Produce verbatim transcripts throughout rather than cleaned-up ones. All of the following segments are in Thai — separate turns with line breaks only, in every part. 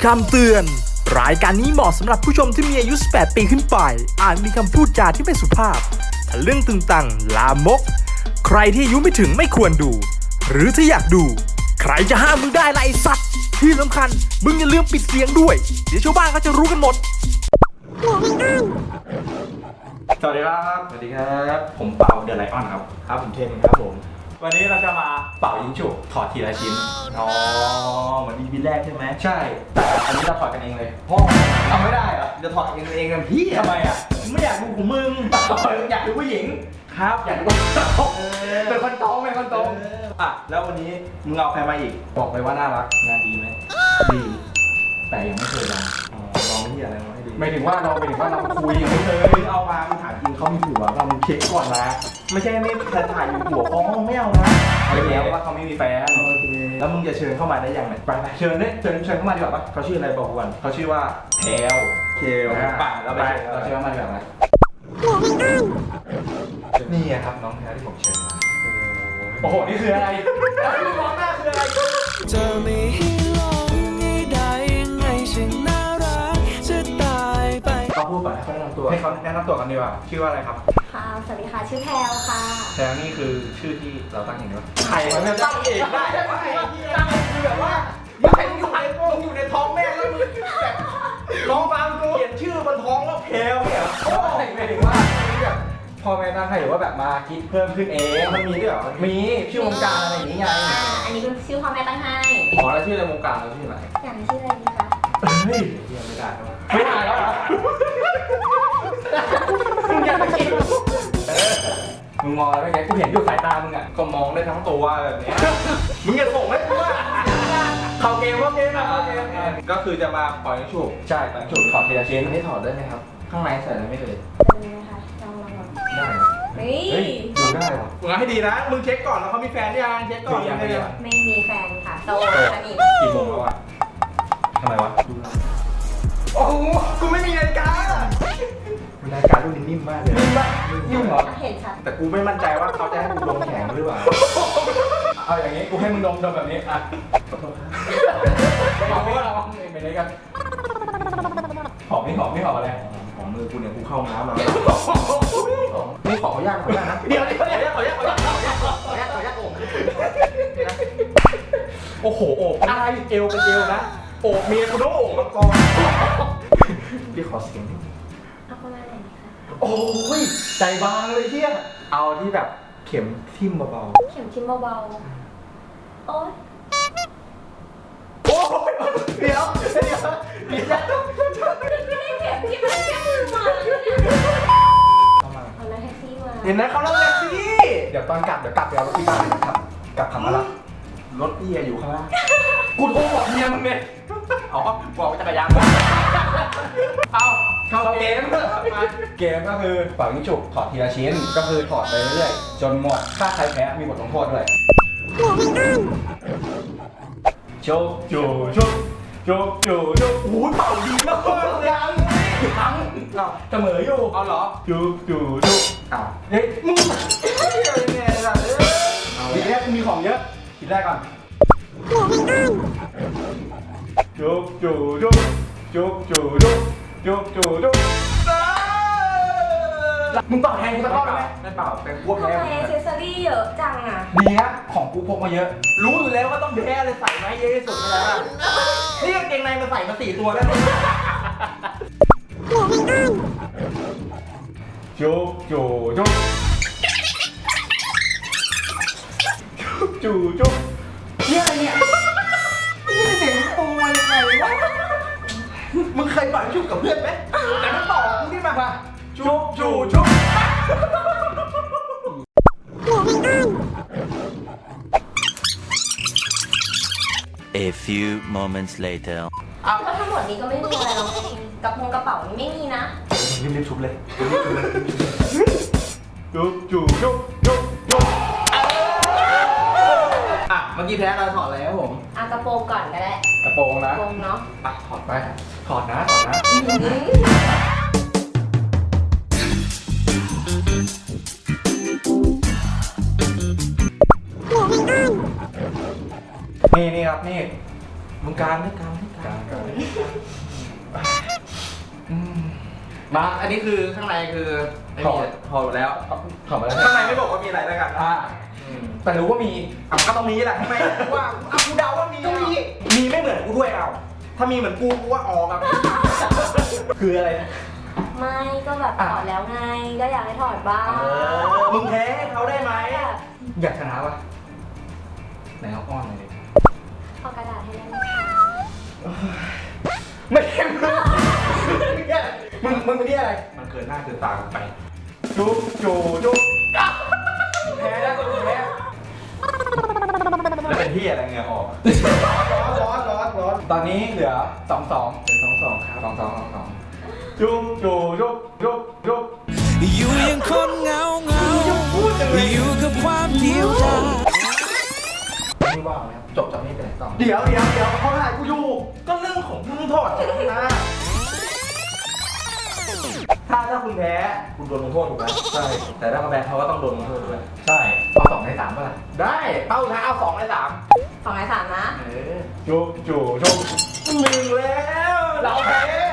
คำเตือนรายการนี้เหมาะสำหรับผู้ชมที่มีอายุสิบแปดปีขึ้นไปอาจมีคำพูดจาที่ไม่สุภาพทะลึ่งตึงตังลามกใครที่อายุไม่ถึงไม่ควรดูหรือถ้าอยากดูใครจะห้ามมึงได้ล่ะไอ้สัตว์ที่สำคัญมึงอย่าลืมปิดเสียงด้วยเดี๋ยวชาวบ้านเขาจะรู้กันหมด
สวัสดีครับสวัสดีครับผมเป่าเดอะไลออนครับครับผมเทนครับผมวันนี้เราจะมาเป่ายิงฉุบถอดทีละชิ้นอ๋อเหมือนอีพีแรกใช่ไหมใช่แต่อันนี้เราถอดกันเองเลยโอ้ทำไม่ได้เหรอจะถอดเองเองกันพี่ทำไมอ่ะไม่อยากดูของมึงอยากดูผู้หญิงครับอยากดูเป็นคนตรงเป็นคนตรงอ่ะแล้ววันนี้มึงเอาใครมาอีกบอกไปว่าน่ารักงานดีไหมดีแต่ยังไม่เคยลองอ๋อลองที่อะไรมาให้ดีไม่ถึงว่าเราไปถึงว่าเราคุยยังไม่เคยเอามามึงถามจริงเขามีผัวเรามึงเช็คก่อนนะไม่ใช่ไม่ถ่ายถ่ายอยู่ผัวเขาไม่เอานะเอาแล้วว่าเขาไม่มีแฟนแล้วมึงจะเชิญเข้ามาได้ยังไงไปไปเชิญเนี่ยเชิญเชิญเข้ามาดีกว่าปะเขาชื่ออะไรบอกก่อนเขาชื่อว่าแพลวเคลป่ะแล้วไปเราเชิญเข้ามาดีกว่าไหมนี่ครับน้องแพลวที่ผมเชิญมาโอ้โหนี่คืออะไรมองหน้าคืออะไร
จะไม่ให้ลงให้ได้ยังไงฉันน่ารักจะตายไป
เขาพูดก่อนให้เขาแนะนำตัวให้เขาแนะนำตัวกันดีกว่าชื่อว่าอะไรครับ
ค่ะสวัสดีค่ะชื่อแพลวค่ะ
แพลวนี่คือชื่อที่เราตั้งเองด้วยใครมันจะตั้งเองได้ไหมตั้งคือแบบว่าไม่ใช่มึงอยู่ในมึงอยู่ในท้องแม่แล้วมึงแบบน้องฟังกูเขียนชื่อบนท้องแล้วแพลวเนี่ยโอ้ยไม่ถึงว่าแบบพ่อแม่ตั้งให้หรือว่าแบบมาคิดเพิ่มขึ้นเองมันมีด้วยเหรอมีชื่อวงการอะไรอย่างนี้ไง
อ่าอันนี้เป็นชื่อพ่อแม่ตั้งให้
อ๋อแล้วชื่อในวงการเราชื่ออะไร
อย่างชื่ออะไรดีคะ
เฮ้ยยังไม่ได้ไม่ได้แล้วเหรอมึงอยากจะกินมึงมองอะไรไงกูเห็นอยู่สายตามึงอ่ะก็มองได้ทั้งตัวแบบนี้มึงอย่าส่งให้กูว่าเข้าเกมเข้าเกมนะเข้าเกมก็คือจะมาปล่อยฉุบใช่ปล่อยฉุบถอดทีละชิ้นให้ถอดได้ไหมครับข้างในใส่อะไรไม่เคย
เป็นไงคะลองลองลอง
ได้
เฮ้ย
ดูได้หรอมึงให้ดีนะมึงเช็คก่อนแล้วเขามีแฟนยังเช็คก่อนยังไม่
ไม่มีแฟนค่ะโสดสนิท
กี่โมงแล้วอ่ะทำไมวะโอ้โหกูไม่มีนาฬิกานาฬิการุ่นนี้นิ่มมากเลยนิ่มมากนิ่มเหรอ
เห็นชัด
แต่กูไม่มั่นใจว่าเขาจะให้กูลงแข็งหรือเปล่าเอาอย่างนี้กูให้มึงดมดมแบบนี้อ่ะหอมไม่หอมไปเลยกันหอมไม่หอมไม่หอมอะไรหอมมือกูเนี่ยกูเข้าน้ำมานี่ขอขอยากขอยากนะเดี๋ยวเดี๋ยวขอยากขอยากขอยากขอยากขอยากขอยากโอ้โหโอบอะไรเอวเป็นเอวนะโอบเมียกูต้องโอบมังกรพี่ขอเสียงนิด
เอาประมาณไหนคะ
โอ้ยใจบางเลยเที่ยเอาที่แบบเข็มทิ่มเบา
ๆเข็มทิ่มเบาๆโอ๊ย
โอ้ยเดี๋ยวเดี๋ยวเดี๋ยว
ไม่ได้เข็มที่มันแค่มือมาเอาแล้วแท็กซี่มา
เห็นไหมเขาเล่าแท็กซี่เดี๋ยวตอนกลับเดี๋ยวกลับไปเอารถที่บ้านครับกลับขับมาแล้วรถพี่อยู่ข้างล่างกูโทรบอกเมียมึงเนี่ยอ๋อบอกว่าจักรยานมาเอาเข้าเกมเกมก็คือเป่ายิงฉุบถอดทีละชิ้นก็คือถอดไปเรื่อยๆจนหมดถ้าใครแพ้มีบทลงโทษด้วยโจโจโจโจโจโจโอ้ยเป่าดีมากเลยยังทั้งเสมออยู่เอาเหรอโจโจโจอ้าวเฮ้ยมึงยังไงล่ะทีแรกมีของเยอะทีแรกก่อนจุ๊บจุ๊บจุ๊บจุ๊บจุ๊บจุ๊บจุ๊บจุ๊บจุ๊บมึงเป่าแทนกูตะก้อนไหมไม่เป่าแต่พวกแพ้
ทำไมเอเซสซอรี่เยอะจังอ่ะ
ดีนะของกูพกมาเยอะรู้อยู่แล้วว่าต้องแพ้เลยใส่ไหมเยอะที่สุดเลยนะนี่กางเกงในมาใส่มาสี่ตัวแล้วจุ๊บจุ๊บจุ๊บจุ๊บจุ๊บเนี่ยอะไรเนี่ยนี่เด็กโตมายังไงวะมึงเคยปล่อยชุบกับเพื่อนไหมแต่ถ้าต่อมึงนี่มาชุบชุบชุบ
A few moments later
เอาแล้วทั้งหมดนี้ก็ไม่มีอะไรหรอกกระโปรงกระเป๋านี่ไม่มีนะ
รีบรีบชุบเลยรีบชุบเลยชุบชุบชุบชุบชุบอ่ะเมื่อกี้แพ้เราถอดอะไรครับผม
อ่ะกระโปรงก่อนก็ได้
กระโปรงนะ
กระโปรงเนาะ
ไปถอดไปถอดนะถอดนะนี่นี่ครับนี่มึงการไม่การไม่การ
มา อันนี้คือข้างในคือไม่
ถอ
มี
ดถอดหมดแล้ว
ถอดมาแล้ว
ข้างในไม่บอกว่ามีอะไรแล้วกัน
อ่าแต่รู้ว่ามี
อ่ะก็ต้องมีแหละทำไมว่าอ่ะกูเดาว่ามีต้องมีมีไม่เหมือนกูด้วยเอาถ้ามีเหมือนกูกูว่าออกอ่ะคืออะไร
ไม่ก็แบบถอดแล้วไง ก็อยากให้ถอดบ้าง
เออมึงแพ้ให้เขาได้ไหม
แบบ
อยากชนะปะไหนเอาอ้อนหน่อยดิ
เอากระดาษให้ได้ไหมคะ
ไม่ใช่มึงมึงมึงเป็นที่อะไร
มันเกินหน้าเกินตากูไป
จุ๊บจูจุ๊บแพ้แล้วตัวแพ้
แล้วเป็นที่อะไรเงี้ยออก
ร้อนร้อนร้อนตอนนี้เหลือสองสอง
เป็นสองสองครับ
สองสองสองสองจุ๊บจูจุ๊บจุ๊บจุ๊บ
อยู่ยังคนเหงาเหงาอยู่กับความเดียวดาย
นี่ว่างไหมครับจบจากนี้ไปไหนต่อ
เดี๋ยวเดี๋ยวเดี๋ยวเขาถ่ายกูอยู่ ก็เรื่องของมึงถอดจากนะถ้าถ้าคุณแพ้คุณโดนลงโทษถูกไหมใช่ แต่ถ้าเขาแพ้เขาก็ต้องโดนลงโทษด้วยใช่
เอาสองในสามป่ะล่ะ
ได้เป้าท้ายเอาสองในสาม
สองในสามนะ
เออจุ๊บจูจุ๊บ
หนึ่งแล้วเราแพ้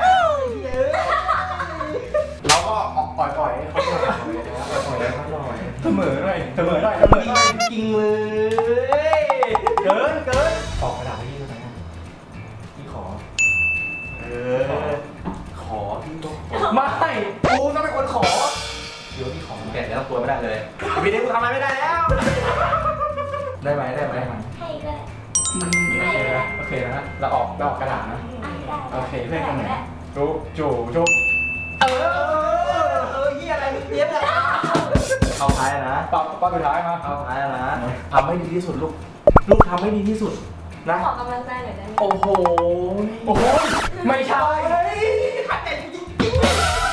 เราก็ปล่อยปล่อยให้เขาปล่อยนะครับปล่อยให้เขาหน่อยเสมอหน่อยเสมอหน่อยเสมอหน่อย
จริงเลยเกินเกิน
ออกกระดาษให้พี่ด้วยนะพี่ขอ
เออขอที่ต้อง
ไม่กูต้องเป็นคนขอ
เดี๋ยวที่ของแกะแล้วตัวไม่ได้เลยพี่เด็กกูทำอะไรไม่ได้แล้ว
ได้ไหมได้ไหม
ให้ก็ได้
โอเคนะโอเคนะเราออกเราออกกระดาษนะ
อ่ะได้
โอเคเพื่อนคนไหน
ได้
จุ๊บจูจุ๊บ
เออเออเฮียอะไรมึงเตี้ยเนี่ยเอาท้ายนะ
ปอบปอบสุดท้ายมา
เอาท้ายนะทำให้ดีที่สุดลูกลูกทำให้ดีที่สุดนะ
ขอกำลังใจหน่อยได้ไหม
โอ้โห
โอ้โหไม่ใช่
ขัดใจจริง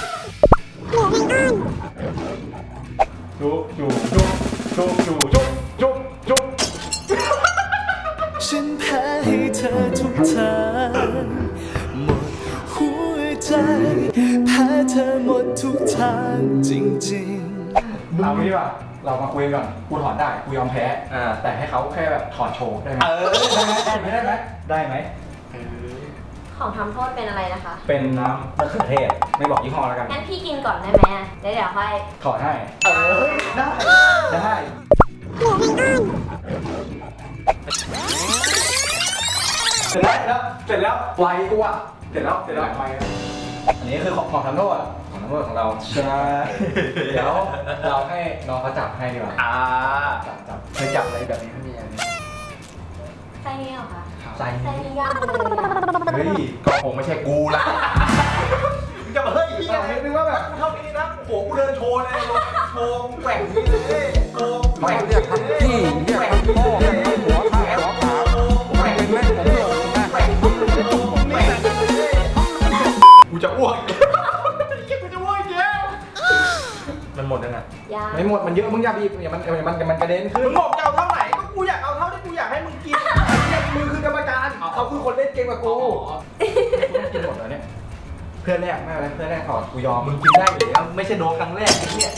จุ๊บจูจุ๊บจุ๊บจูจุ๊บจุ๊บจุ๊บ
ฉันแพ้ให้เธอทุกทางหมดหัวใจแพ้เธอหมดทุกทางจริงๆ
เอางี้ป่ะเรามาคุยก่อนกูถอนได้กูยอมแพ้
ๆอ่า
แต่ให้เขาแค่แบบถอดโชว์ได้ไหม
เออ
ได้ไหมได้ไหมได้ไหม
ได้ไหม
ของทำโทษเป็นอะไรนะคะ
เป็นน้ำมะเขือเทศไม่บอกยี่ห้อแล้วกัน
งั้นพี่กินก่อนได้ไหมอ่ะแล้วเดี๋ยวค่อย
ถอดให้
เออได้
ได้เสร็จแล้วเสร็จแล้วไวกูอ่ะเสร็จแล้วเสร็จแล้วไวอันนี้คือของของทำโทษของทำโทษของเราใช่เดี๋ยวเราให้น้องเขาจับให้ดีกว่า
อ่า
จับจับเคยจับอะไรแบบนี้ไม่มีอะไร
ไส้นี่เหรอคะ
ใจ
ไส้นี่ยากเลยอ่ะ
เฮ้ยก็คงไม่ใช่กูละ
มึงจะมาเฮ้ยพี่
เรา
อะไร
คิดว่าแบบ
กูเท่านี้นะโอ้โหกูเดินโชว์เลยโชว์แกว่งนี่เลยโชว์แกว่ง
เรียกทั้งพี่เรียกทั้งพ่อเรียกทั้งหัวข้าหัวขาผมเป็นเล่นผมหลงนะ
กูจะอ้วกกูจะอ้วกเยอะมันหมดแล้วนะ
ยาก
ไม่หมดมันเยอะมึงอย่าบีบอย่ามันมันมันกระเด็นขึ้
มึ
น
งบอกจะเอาเท่าไหร่ก็กูอยากเอาเท่าที่กูอยากให้มึงกิน
เนี่ยมือคือกรรมการเขาคือคนเล่นเกมกับกูกินหมดแล้วเนี่ยเพื่อนแรกไม่เป็นไรเพื่อนแรกถอดกูยอม
มึงกินได้อยู่แล้วไม่ใช่โดนครั้งแรกไอ้เนี่ย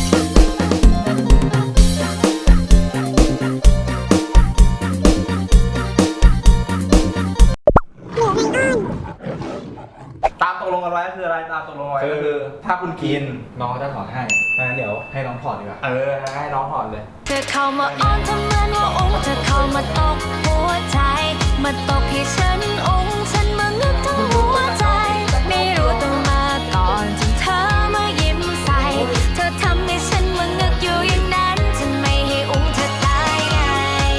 ตามตกลงกันไว้คืออะไรตามตกลงไว้ก็คือ ถ้าคุณกิน
น้องเขาจะถอดให้
งั้นเดี๋ยว
ให้น้องถอดดีกว่า
เออให้น้องถอดเลย
เธอเข้ามาอ้อนทำเหมือนว่าองค์เธอเข้ามาตกหัวใจ มาตกให้ฉันองค์ฉันมางึกทั้งหัวใจ ไม่รู้ต้องมาก่อนจนเธอมายิ้มใส่ เธอทำให้ฉันมางึกอยู่อย่างนั้นฉันไม่ให้องค์เธอตายไง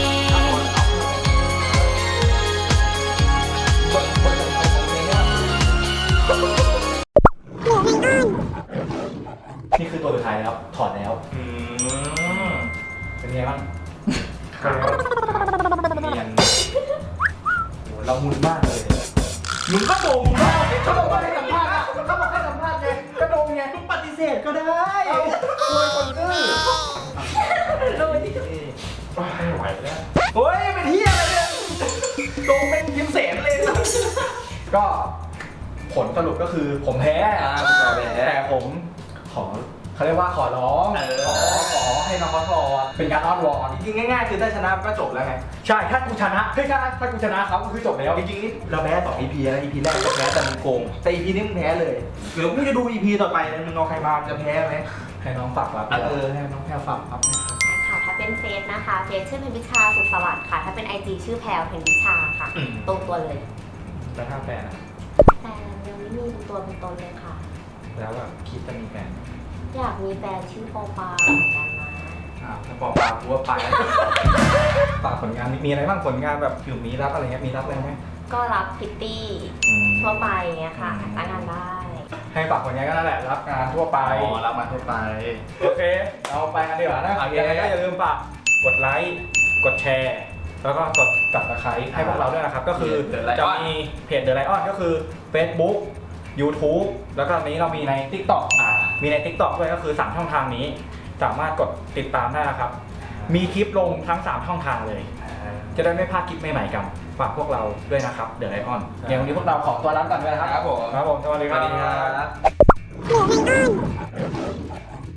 นี่คือตัวสุดท้ายแล้วถอดแล้ว
อืม
เป็นไงบ้าง
ขาวเนียนโหเรามุนมากเลยมึงก็โดมมาก
เขาบอกว่าให้สัมภาษณ์อะเขาบอกให้สัมภาษณ์ไงก็โดนไง
มึงปฏิเสธก็ได้
โวยคนซื่อ
ไม่ไหวแล้วโอ้ยเป็นเฮียอะไรเนี่ยโดมเป็นพิมพ์เสนเลยนะ
ก็ผลสรุปก็คือผมแพ้
อ่าผมแพ้
แต่ผมขอเขาเรียกว่าขอร้อง
เออ
ขอขอให้น้องเขาถอดเป็นการอ้อนวอน
จริงๆง่ายๆคือถ้าชนะก็จบแล้วไง
ใช่ถ้ากูชนะเฮ้ยถ้าถ้ากูชนะเขาก็คือจบแล้ว
จริงๆนี่เราแพ้สอง อี พี แล้ว อี พี แรกก็แพ้แต่มึงโกงแต่ อี พี นี้มึงแพ้เลยเดี๋ยวกูจะดู อี พี ต่อไปนะมึงเอาใครมาจะแพ้ไหม
ให้น้องฝากรับ
เออให้น้องแพ้ฝากครับ
ค่ะ ถ้าเป็นเฟซนะคะ เฟซชื่อเพนพิชาสุขสวัสดิ์ค่ะ ถ้าเป็น ไอ จี ชื่อแพลวเพนพิชาค่ะ
อืม
ตรงตัวเลย
แล้วถ้าแฟนอะ
แต่ยังไม่มีเป็นตัวเป็นตนเลยค่ะ
แล้วแบบคิดจะมีแฟน
อยากมีแฟนชื่อโปปาเหมือนกันนะ
อ้าวถ้าบอกปากกูว่าไปแล้ว ฝากผลงานมีมีอะไรบ้างผลงานแบบอยู่มีรับอะไรเงี้ยมีรับอะไรไหม
ก็รับพิตตี้
อืม
ทั่วไปอย่างเงี้ยค่ะจ้างงานได้
ให้ฝากผลงานก็นั่นแหละรับงานทั่วไป
อ๋อรับมาทั่วไป
โอเค เราไปกันดีกว่านะ
โอเค
ยังไงก็อย่าลืมฝากกดไลค์ กดแชร์ แล้วก็กดตับตะไคร้ให้พวกเราด้วยนะครับ ก็คือ
The Lion
จะมีเพจ The Lion ก็คือ Facebook YouTube แล้วก็ตอนนี้เรามีใน TikTok
อ่า
มีใน TikTok ด้วยก็คือสามช่องทางนี้ สามารถกดติดตามได้นะครับ มีคลิปลงทั้งสามช่องทางเลย จะได้ไม่พลาดคลิปใหม่ๆกัน ฝากพวกเราด้วยนะครับ The Lion เดี๋ยววันนี้พวกเราขอตัวลาไปก่อนด้วยนะครับ
ครับผม
ครับผม สวัสดี
ส
ครั
วั
บ
สดีครับ